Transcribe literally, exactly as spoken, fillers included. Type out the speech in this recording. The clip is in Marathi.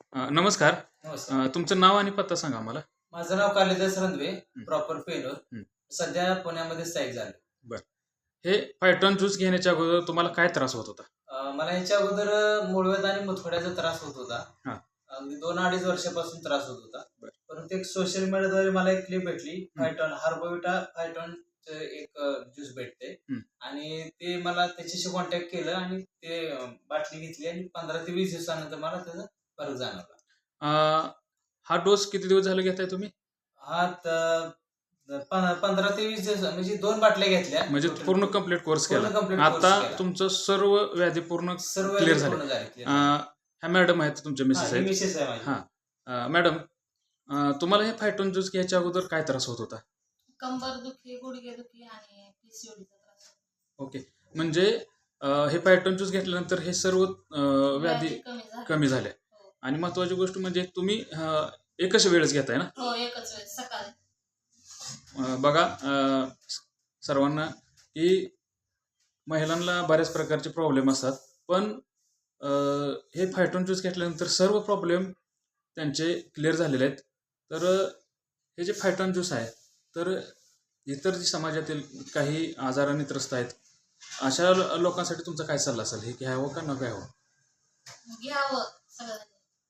अ, नमस्कार. नमस्कार. अ, तुमचं नाव आणि पत्ता सांगा आम्हाला. माझं नाव कालिदास रंधवे, हं, प्रॉपर पेलोर. हं. सध्या पुण्यामध्ये स्थायिक झाले. बरं. हे फायटॉन ज्यूस घेण्याच्या अगोदर तुम्हाला काय त्रास होत होता? अ, मला ह्याच्या अगोदर अ, मूळव्याध आणि मुतखड्याचा त्रास होत होता. हां. अगदी दोन अडीच वर्षापासून त्रास होत होता. बरं. परंतु एक सोशल मीडियाद्वारे मला एक क्लिप भेटली. हं, फायटॉन हार्बोविटा फायटॉनचं एक अ, ज्यूस भेटते हं. आणि ते मला त्याच्याशी कॉन्टॅक्ट केलं आणि ते अ, बाटली घेतली आणि पंधरा ते वीस दिवसानंतर मला त्याचा फरक जाणवला. अ, हा डोस किती दिवस झाले घेताय तुम्ही? हा त पंधरा ते वीस दिवस म्हणजे दोन बाटल्या घेतल्या म्हणजे टोटल. पूर्ण कंप्लीट कोर्स केला. पूर्ण कंप्लीट कोर्स आता केला. तुमचं सर्व व्याधी पूर्ण सर्व क्लिअर झाले. पूर्ण झाले क्लिअर अ, झाले. ह्या मॅडम आहेत तुमच्या हा मिसेस ही आहेत. मिसेस आहे माझी. हां. अ, मॅडम, अ, तुम्हाला हे फायटॉन ज्यूस घ्यायच्या अगोदर काय त्रास होत होता? कंबर दुखी, गुडघे दुखी आणि पीसीओडीचा त्रास. ओके. म्हणजे अ, हे फायटॉन ज्यूस घेतल्यानंतर हे सर्व अ, व्याधी व्याधी कमी झाली. कमी झाल्या. हो. आणि महत्त्वाची गोष्ट म्हणजे तुम्ही अ, एकच वेळेस घेताय ना? हो, एकच वेळेस सकाळी. अ, बघा, अ, स- सर्वांना की महिलांना बऱ्याच प्रकारचे प्रॉब्लेम असतात, पण अ, हे फायटॉन ज्यूस घेतल्यानंतर सर्व प्रॉब्लेम त्यांचे क्लिअर झालेले आहेत. तर अ, हे जे फायटॉन ज्यूस आहे, तर इतर जे समाजातील काही आजाराने त्रस्त आहेत, अशा लो- लोकांसाठी तुमचा काय सल्ला असेल? हे घ्यावं का न घ्यावं? घ्यावं सगळ्यांनी.